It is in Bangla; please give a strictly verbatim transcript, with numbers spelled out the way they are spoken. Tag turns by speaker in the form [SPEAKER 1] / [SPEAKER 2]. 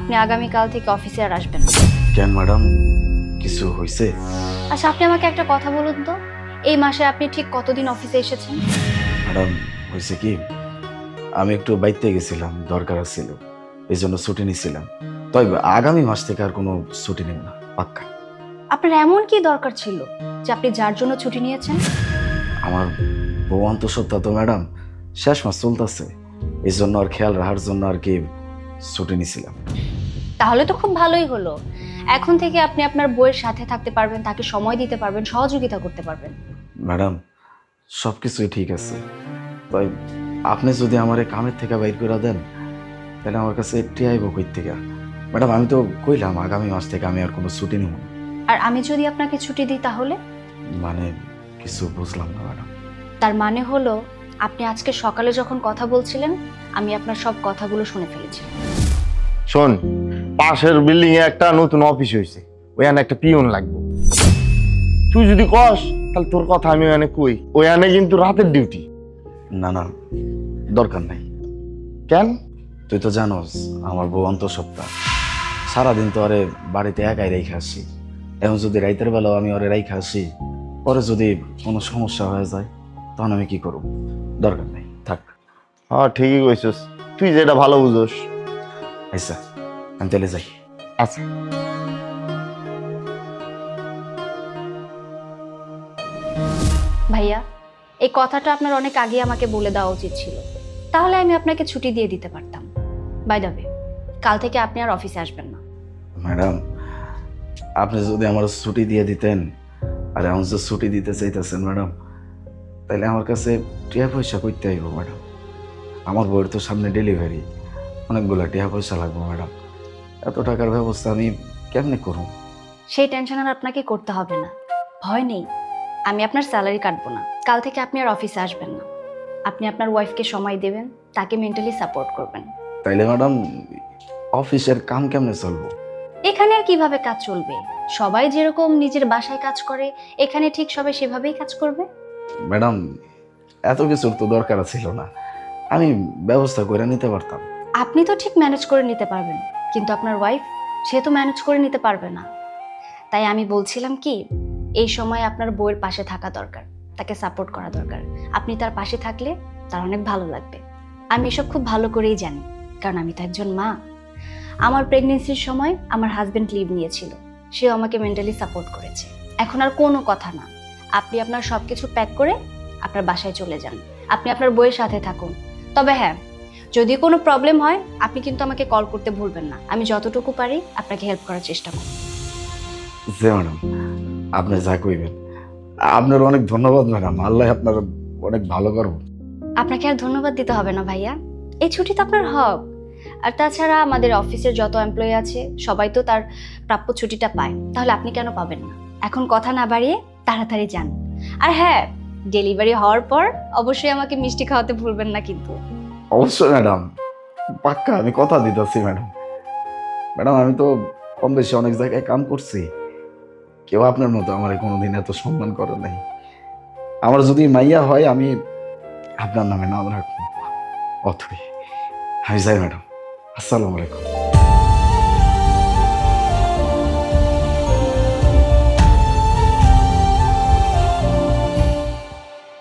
[SPEAKER 1] আপনি আগামীকাল থেকে অফিসে আর আসবেন না।
[SPEAKER 2] কেন ম্যাডাম, কিছু হয়েছে?
[SPEAKER 1] আচ্ছা, আপনি আমাকে একটা কথা বলুন তো, এই মাসে আপনি ঠিক কতদিন অফিসে এসেছেন?
[SPEAKER 2] ম্যাডাম হয়েছে কি, আমি একটু বাইতে গেছিলাম, দরকার ছিল, এই জন্য ছুটি নিছিলাম। তাই আগামী মাস থেকে আর কোনো ছুটি নেব না, পাক্কা।
[SPEAKER 1] আপনার এমন কি দরকার ছিল যে আপনি যার জন্য ছুটি নিয়েছেন?
[SPEAKER 2] আমার বউ অন্তঃসত্ত্বা তো ম্যাডাম শেষ মাস চলতেছে, এই জন্য আর খেয়াল রাখার জন্য আর কি ছুটি নিছিলাম।
[SPEAKER 1] তাহলে তো খুব ভালোই হলো। এখন থেকে আপনি আপনার বউয়ের সাথে থাকতে পারবেন, তাকে সময় দিতে পারবেন, সহযোগিতা করতে পারবেন।
[SPEAKER 2] ম্যাডাম সব কিছুই ঠিক আছে, তাই আপনি যদি আমার এই কামের থেকে বাইর করে দেন তাহলে আমার কাছে একটি আইব কই থেকে। ম্যাডাম আমি তো কইলাম আগামী মাস থেকে আমি আর কোনো ছুটি নেব না।
[SPEAKER 1] আর আমি যদি আপনাকে ছুটি দিই তাহলে?
[SPEAKER 2] মানে কিছু বুঝলাম না ম্যাডাম।
[SPEAKER 1] তার মানে হলো আপনি আজকে সকালে যখন কথা বলছিলেন আমি আপনার সব কথাগুলো শুনে ফেলেছি।
[SPEAKER 3] শোন, পাশের বিল্ডিং এ একটা নতুন অফিস হয়েছে, ওখানে একটা পিয়ন লাগবে। তুই যদি কস তাহলে তোর কথা আমি ওখানে কই, ওখানে কিন্তু রাতের ডিউটি।
[SPEAKER 2] না না, দরকার নাই।
[SPEAKER 3] কেন?
[SPEAKER 2] তুই তো জানোস আমার বউ অন্তঃসত্ত্বা, সারাদিন তো আরে বাড়িতে একাই রেখে আসি। এখন যদি রাইতের বেলাও আমি ওরে রাইখে আসি, পরে যদি কোনো সমস্যা হয়ে যায় তখন আমি কি করব? দরকার নাই, থাক।
[SPEAKER 3] হ্যাঁ ঠিকই কইছস, তুই যেটা ভালো বুঝোস।
[SPEAKER 2] আচ্ছা আমি তাহলে যাই।
[SPEAKER 3] আচ্ছা।
[SPEAKER 1] ভাইয়া, এই কথাটা আপনার অনেক আগে আমাকে বলে দেওয়া উচিত ছিল, তাহলে আমি আপনাকে ছুটি দিয়ে দিতে পারতাম। বাই দ্য ওয়ে, কাল থেকে আপনি আর অফিসে আসবেন না।
[SPEAKER 2] ম্যাডাম আপনি যদি আমার ছুটি দিয়ে দিতেন, আর এখন যে ছুটি দিতে চাইতেছেন ম্যাডাম, তাহলে আমার কাছে টিয়া পয়সা করতে আইব ম্যাডাম। আমার বউয়ের তো সামনে ডেলিভারি, অনেকগুলো টিয়া পয়সা লাগবে ম্যাডাম। এত টাকার ব্যবস্থা আমি কেমনে করব?
[SPEAKER 1] সেই টেনশন আর আপনাকে করতে হবে না, ভয় নেই। আমি আপনার স্যালারি কাটবো না, কাল থেকে আপনি আর অফিসে আসবেন না। আপনি আপনার ওয়াইফকে সময় দেবেন, তাকে মেন্টালি সাপোর্ট করবেন।
[SPEAKER 2] তাইলে ম্যাডাম অফিসের কাম কেমনে চলবো?
[SPEAKER 1] এখানে আর কিভাবে কাজ চলবে? সবাই যেরকম নিজের বাসায় কাজ করে এখানে ঠিক সবাই সেভাবেই কাজ করবে।
[SPEAKER 2] ম্যাডাম এত কিছুর তো দরকার ছিল না, আমি ব্যবস্থা করে নিতে পারতাম।
[SPEAKER 1] আপনি তো ঠিক ম্যানেজ করে নিতে পারবেন, কিন্তু আপনার ওয়াইফ, সে তো ম্যানেজ করে নিতে পারবে না। তাই আমি বলছিলাম কি, এই সময় আপনার বউয়ের পাশে থাকা দরকার, তাকে সাপোর্ট করা দরকার। আপনি তার পাশে থাকলে তার অনেক ভালো লাগবে। আমি এসব খুব ভালো করেই জানি, কারণ আমি তো একজন মা। আমার প্রেগনেন্সির সময় আমার হাজবেন্ড লিভ নিয়েছিল, সেও আমাকে মেন্টালি সাপোর্ট করেছে। এখন আর কোনো কথা না, আপনি আপনার সবকিছু প্যাক করে আপনার বাসায় চলে যান, আপনি আপনার বউয়ের সাথে থাকুন। তবে হ্যাঁ, যদি কোনো প্রবলেম হয় আপনি কিন্তু আমাকে কল করতে ভুলবেন না, আমি যতটুকু পারি আপনাকে হেল্প করার চেষ্টা করব।
[SPEAKER 2] যে ম্যাডাম আপনি যা কইবেন, আপনার অনেক ধন্যবাদ ম্যাডাম, আল্লাহ আপনার অনেক ভালো করব।
[SPEAKER 1] আপনাকে আর ধন্যবাদ দিতে হবে না ভাইয়া, এই ছুটি তো আপনার হক। আর তাছাড়া আমাদের অফিসের যত এমপ্লয়ি আছে সবাই তো তার প্রাপ্য ছুটিটা পায়, তাহলে আপনি কেন পাবেন না? এখন কথা না বাড়িয়ে তাড়াতাড়ি যান। আর হ্যাঁ, ডেলিভারি হওয়ার পর অবশ্যই আমাকে মিষ্টি খাওয়াতে ভুলবেন না কিন্তু।
[SPEAKER 2] অবশ্যই ম্যাডাম, পাক্কা আমি কথা দিতেছি ম্যাডাম। ম্যাডাম আমি তো কম বেশি অনেক জায়গায় কাম করছি, কেউ আপনার মতো আমার কোনোদিন এত সম্মান করে নাই। আমার যদি মাইয়া হয় আমি আপনার নামে নাম রাখবো। অথই আমি যাই ম্যাডাম, আসসালামু আলাইকুম।